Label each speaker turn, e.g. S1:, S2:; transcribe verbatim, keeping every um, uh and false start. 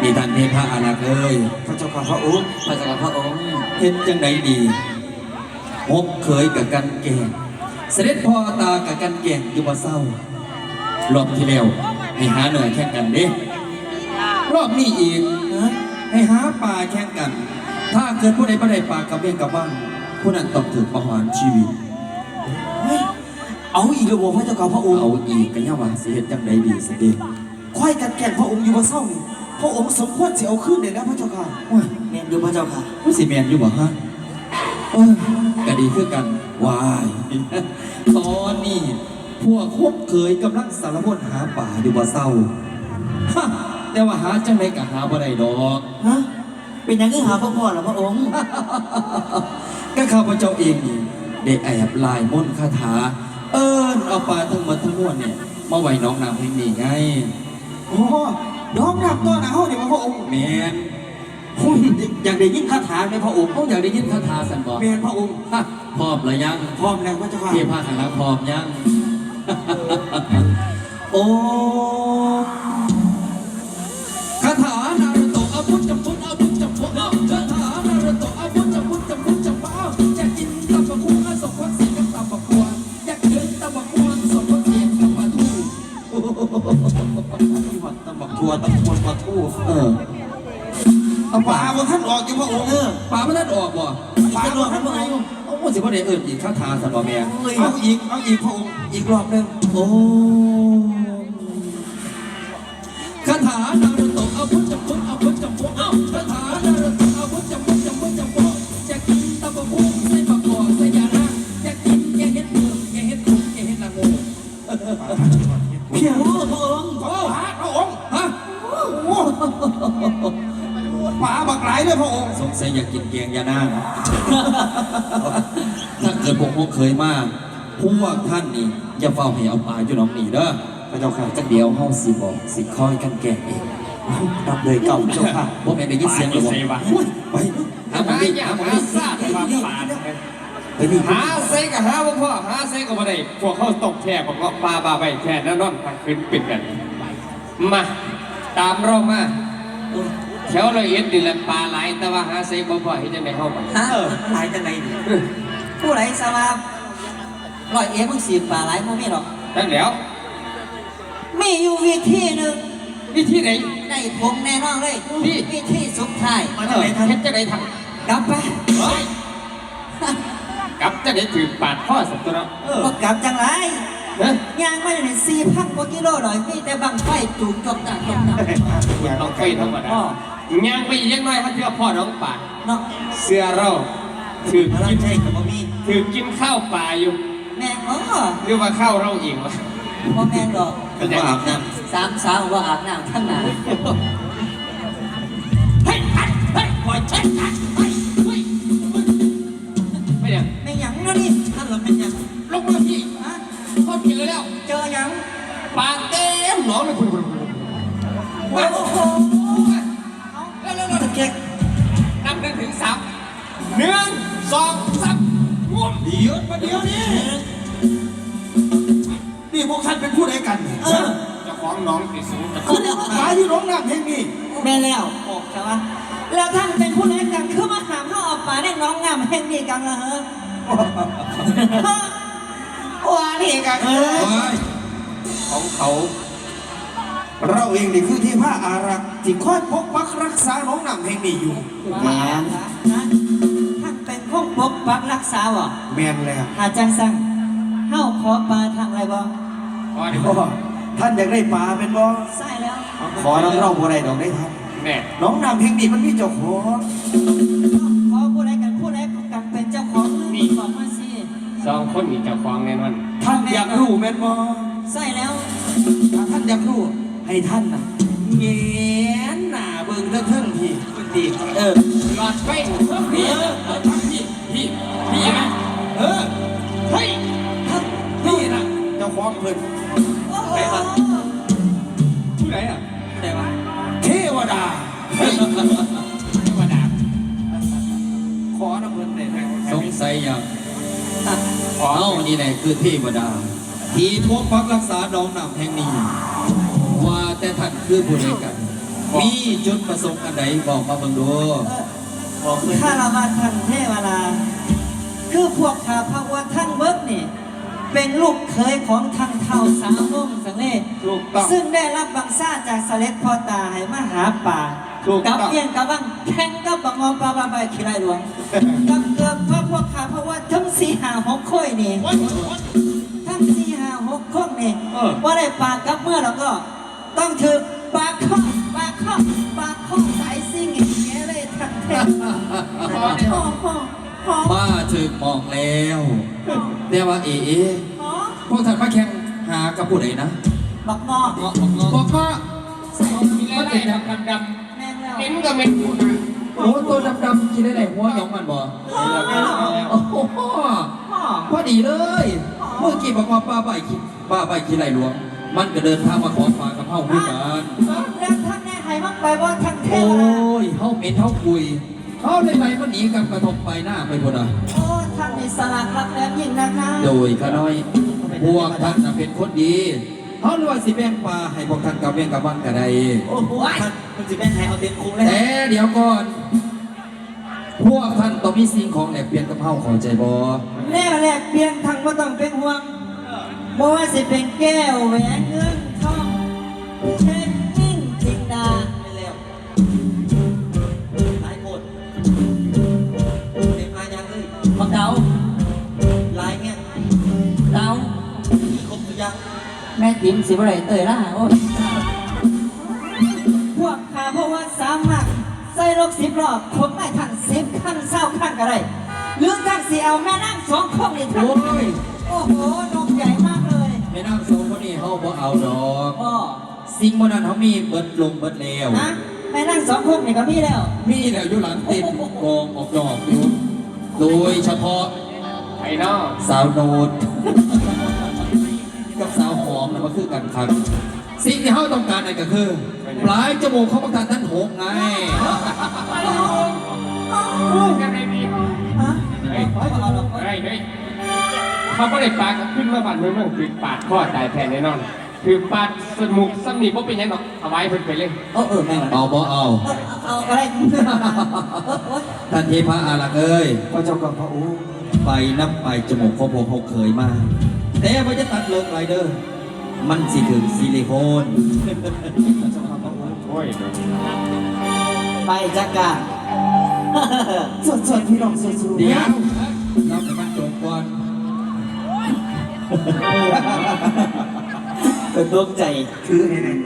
S1: นี่ท่านเทพะอารักษ์เอ้ย
S2: พระเจ้าข้าพระองค์
S3: พระเจ้าพระองค์
S1: เห็นจังไดดีหกเคยกับกันแก่งเสด็จพ่อตากับกันแก่งอยู่บ่เศร้ารอบที่แล้วให้หาเหนื่อยแข่งกันเด้รอบนี้อีกนะให้หาปลาแข่งกัน ถ้าเกิดผู้ใดบ่ได้ปลากับเบี้ยกับบ้างผู้นั้นต้องถูกประหารชีวิต
S2: เอาอีกแล้วบ่พระเจ้าข้าพระองค์
S1: เอาอีกกันย่าว่าสิเฮ็ดจังไดดีสิเด้
S2: ควายกันแก่งพระองค์อยู่บ่เศร้านี่พระองค์สมควรสิเอาขึ้นเลยนะพระเจ้าข้า
S1: โอ้ย
S3: แม่นอยู่พระเจ้าค่ะ
S1: ผู้สิแมนอยู่บ่ฮะเออก็ดีคือกันวายตอนนี้พวกคบเคยกำลังสารพัดหาป่าอยู่บ่เศร้าฮะแต่ว่าหาจังไดก็หาบ่ได้ดอก
S3: ฮะเป็นยังไงหาพ่อพ่อหรอพระองค์
S1: ก็ข้าพเจ้าเองนี่ได้แอบลายมนต์คาถาเอิ้นเอาปลาทั้งหมดทั้งมวลเนี่ยมาไว้น้องน้ำแห่งนี้ไง
S2: โอ้น้องรับตัวหนาวเนี่ยพระองค์
S1: แมน
S2: ผมอยากได้ยินคาถาในพระองค์
S1: เขาอยากได้ยินคาถาสันบอก
S2: แมนพระองค์
S1: ฮะพร้อมหรือยัง
S2: พร้อมแล้วพระเจ้าข้า
S1: เทพาคณะพร้อมยัง โอ้คาถานารุโตะอาวุธจำพุทอาวุธจำพุทคาถานารุโตะอาวุธจำพุทจำพุทจำพุทอยากกินตับบักหุ่งสมพักเสียกับตับบักขวานอยากกินตับบักขวานสมพักเสียกับปลาทู
S2: ตำบักทัวตำบลปลาทู
S1: เออเอา
S2: ป่า
S1: ป่า
S2: บนท่านออกจากพระองค์
S3: เออ
S1: ป่ามันนั่นออกบ่
S2: ป่าหลวงพระองค์
S1: เอาหมดสิพ่อเด็กเอิญอีกคาถาสันบ่แม่
S2: เอาอีกเอาอีกพระองค์อีกรอบหนึง
S1: โอ้คาถานารุโตะอาวุธจำพุทอาวุธจำพุทเอ้าคาถานารุโตะอาวุธจำพุทจำพุทจำพุทอยากกินตับบักหุ่งใส่บักกอกใส่ยานะอยากกินแกงเห็ดเผือกแกงเห็ดขุ่นแกงเห็ดละงู
S2: เพียง
S3: โอ้พระองค์
S2: โอ้พระองค์
S1: ฮะ
S2: ป่าบักหลายเลยพระองค์
S1: สงสัยอยากกินแกงยานางถ้าเกิดพวกพวกเคยมากพวกท่านนี่อย่าเฝ้าให้เอาปลาอยู่หนองนี่เด้อ
S2: พระเจ้าค่ะ
S1: จักเดียวเฮาสิบอกสิคอยกันแกงเอง
S2: รับเลยเก่าเจ้าค่ะ
S1: บ่แม่นได้ยินเสียงหรอบ่โอ้ยไปหาหมองนี่หาหมองนี่
S4: ซาดความปาน
S1: ไปนี่
S4: หาเซ็กกับหาพ่อพ่อหาเซ็กกับมาได้พวกเขาตกแท่ของก็ปลาบาใบแท่นั่นนั่นทางขึ้นปิดกันมาตามเรามาแถวละเอียดดิแหละปลาไหลแต่ว่าหาเซ็กบ่พ่อเห็นจังไดเข้ามา
S3: ฮะหลายจังไหนดิผู้ไหลสวาบร้อยเอ๋มึงสีป่าหลายมึงไม่หรอก
S4: ตั้งแล้ว
S3: มีอยู่วิธีหนึ่ง
S4: วิธีไหน
S3: ได้ผมแน่นอนเลยวิธีสุดท้าย
S4: มาจังไหนเฮ็ดจังไดทำ
S3: กลับไป
S4: เฮ้ยกลับจังไดถือปาดพ่อสัตว์ตัวเนาะ
S3: ก็กลับจังไร
S4: เฮ้ย
S3: ยางไม่ได้สี่พันกว่ากิโลหน่อยมีแต่บังไฟจูงจบต่างจบต่าง
S4: ต้องไฟธรรมดายังไปยังน้อยเขาเชื่อพ่อน้องป่า
S3: เนาะ
S4: เสื้อเราถือ
S3: แล้ว
S4: กิน
S3: ใช่กับบ่มี
S4: ถือกินข้าวป่าอยู่
S3: แม่เออ
S4: เรียกว่าข้าวเราเองวะ
S3: พ่อแม่ดอก
S1: เป็นว่าอาบน้
S3: สามสาวว่าอาบน้ำทั้งหนา
S4: เฮ้ยเฮ้ยเฮ้ยปล่อยเช็ดกันเฮ้ยเฮ้ยไม่ยัง
S3: ไม่หยังนะนี่ท่านเราเป็นหยัง
S4: ลงมาพี่
S3: ฮะ
S4: เขาเจอแล้ว
S3: เจอหยัง
S4: ปากเต็มหนองเลยคุณคุณคุณ
S3: โอ้โห
S4: แล้วแล้วแล้ว
S3: ตะเกียก
S4: นับหนึ่งถึงสามหนึ่งสองสามงุ้ม
S2: เดี๋ยวมาเดี๋ยวนี้นี่พวกท่านเป็นผู้ใดกันเนี่ย
S3: เออ
S4: เจะฟ้าของน้องติดสูงจะ
S3: คือเดี๋ยว
S2: ป่าอยู่ร้องน้ำเพลงนี้
S3: แม่แล้วโอ้ใช่ปะแล้วท่านเป็นผู้เล่นกันคือมาหามเข้าออกป่าได้น้องงามแห่งนี้กันเหรอฮะว่านี่กันเอ
S1: ำ
S3: อ
S1: โอ้ย
S4: ของเขา
S2: เราเองนี่คือที่พระอารักษ์ที่คอยปกปักรักษาน้องน้ำเพลงนี้อยู่
S3: แม่ท่านเป็นพวกปกปักรักษาวะ
S2: แมนแล้ว
S3: อาจารย์สั่งเข้าขอปลาทางอะไรบ่
S4: พอดี
S2: พ่อท่านอยากได้ปลาเป็นบ่
S3: ใช่แล้ว
S2: ขอน้ำเราบ่ได้ดอกได้ท่าน
S4: แน่
S2: น้องน้ำเพลงนี้มันมีเจ้าของ
S3: ขอผู้ใดกันผู้ใดกันเป็นเจ้าของนี่บอกมาสิ
S4: สองคนมีเจ้าของแน่นอน
S2: ท่านอยากรู้แม่นบ่
S3: ใช่แล้ว
S2: ถ้าท่านอยากรู้ให้ท่านน่ะแงนหน้าเบิ่งเทิงๆพี่ดีเออ
S4: หลอดไฟเพิ่มพี่พี่พี่พี่นะ
S2: เออ
S4: เฮ้ย
S2: นี่นะเจ้าของเพิ่น
S3: ไปครับ
S4: ผู้ไหนอ่ะ
S3: แต่ว่า
S2: เทวดา
S4: เฮ้ยธรรมดา
S2: ขอน้ำเพิ่นได้ไหม
S1: สงสัยอย่างเอ้านี่แหละคือเทวดา ที่ปกปักรักษาน้องน้ำแห่งนี้ ว่าแต่ท่านคือผู้ใดกันมีจุดประสงค์อันใดบอกมาเบิ่งดู
S2: บอกเลย
S3: ข้าราชท่านเทวดาคือพวกข้าพระว่าท่านเบิกนี่เป็นลูกเคยของทางเท่าสาวนุ่มสังเล
S4: ถูกต้อง
S3: ซึ่งได้รับบังซ่าจากเสด็จพ่อตาให้มาหาป่า
S4: ถูกต้
S3: กั
S4: อง
S3: เพียงกับบังแข่งกับบังงอปลาบาใบขี้ไรหลวงกับเกือบเพราะพวกข้าเพราะว่าทั้งสี่หาหกค่อยนี่ทั้งสี่หาหกข้องนี่ว่าได้ปากกับเมื่อแล้วก็ ต้องถือปากข้อปากข้อปากข้อสายซิ่งอย่างเงี้ยเลยทั้งเทศพ่อพ่อพ่อ
S1: มาถึงมองแล้วแต่ว่าเอ๋
S3: พ่อ
S1: พวกท่านมาแข่งหากับผู้ใดนะ
S3: บักงอ
S1: เงาะเงาะบอกว่า
S3: ใส่
S4: มีอะไรดำดำด
S3: แม่งแล้ว
S4: ำเห็นก็เป็นคุณนะ
S1: โอ้ตัวดำๆกินได้ไหนหัวหยองมันบ่
S3: พ่อ
S1: โอ้โห
S3: พ่อ
S1: พอดีเลย เมื่อกี้บอกว่าป้าใบคิดป้าใบคิดไรหลวง มันก็เดินทางมาขอฝากกับเฮาด้วยกัน
S3: แล้วท่านแน่ให้มักไปว่าทั้งเท
S1: โอ้
S3: วดาย
S1: เฮาเหม็นเฮาคุยเขาเลยไปมันหนีกับกระทบไปหน้าไปพุ่นอ่ะ
S3: โอ้ท่านมีสลักรักแหลมยิ่งนักนะ
S1: โดยข้าน้อย พวกท่านน่ะเป็นคนดีเขาเลยว่าสิแบ่งปลาให้พวกท่านกับเบี้ยงกับบ้านก็ได้
S2: โอ้โหท่านมันจะแม่นให้เอาเต็มคุ้มเลย
S1: แต่เดี๋ยวก่อน พวกท่านต้องมีสิ่งของแลกเปลี่ยนกับเฮาเข้าใจบ่
S3: แน่แหลกเปลี่ยนทางว่าต้องเป็นห่วงบ่ว่าสิเป็นแก้วแหวนเงินทองเช็คกิ้งจิงดา
S2: ไม่แล้วหลายคนเต็มลายยังเลย
S3: บักเดา
S2: ลายเงี้ย
S3: เดา
S2: มีครบทุกอย่าง
S3: แม่ติ๋มสิบไรเตยล่ะโอ้ยพวกข้าเพราะว่าสามารถใส่รถสิบรอบผมไม่ทันสิบขั้นเศร้าขั้นก็ได้หรือทักสิเอาแม่นั่งสองคนนี่ทัน
S1: โอ้ย
S3: โอ้โหนมใหญ่มากเลย
S1: แม่นางสองคนนี้เฮาบ่เอาดอก
S3: พ่อ
S1: สิ่งบ่นั้นเฮามีเบิดลงเบิดแล้ว
S3: นะแม่นั่งสองคนนี่ก็มีแล้ว
S1: มีแล้วอยู่หลังเต็มกองออกดอกอยู่ โดยเฉพาะ
S4: ไอ้น้อง
S1: สาวโนด กับสาวหอมนะมันคือกันครับ สิ่งที่เฮาต้องการนั่นก็คือ ปลายจมูกของประธานท่านหกไง
S4: ยังไงดี
S3: ฮะ
S4: เฮ้ย
S3: ไม่เอาหรอก
S4: เฮ้ยเฮ้ยเขาไม่ได้ปลากับขึ้นมาบันเมืองเมืองคือปาดข้อตายแทนแน่นอน คือปาดสมุกสำนีเพราะเป็นยังหรอกเอาไว้เพิ่นไปเลย
S3: เออเออแม่ง
S1: เอาบ่เอา
S3: เอาอะไรเออเออ
S1: ท่านเทพะอารักษ์เอ้ย
S2: พระเจ้ากับพระโอ้
S1: ไปนับไปจมูกของผมเขาเคยมา แต่ว่าจะตัดเลิกไรเด้อมันสิถึงซิลิโคน
S4: โอ้ย
S3: ไปจักการ
S2: สดสดพี่น้องสดสด
S1: เดี๋ยวเราให้มันจบก่อน
S2: เป็นดวงใจคือไง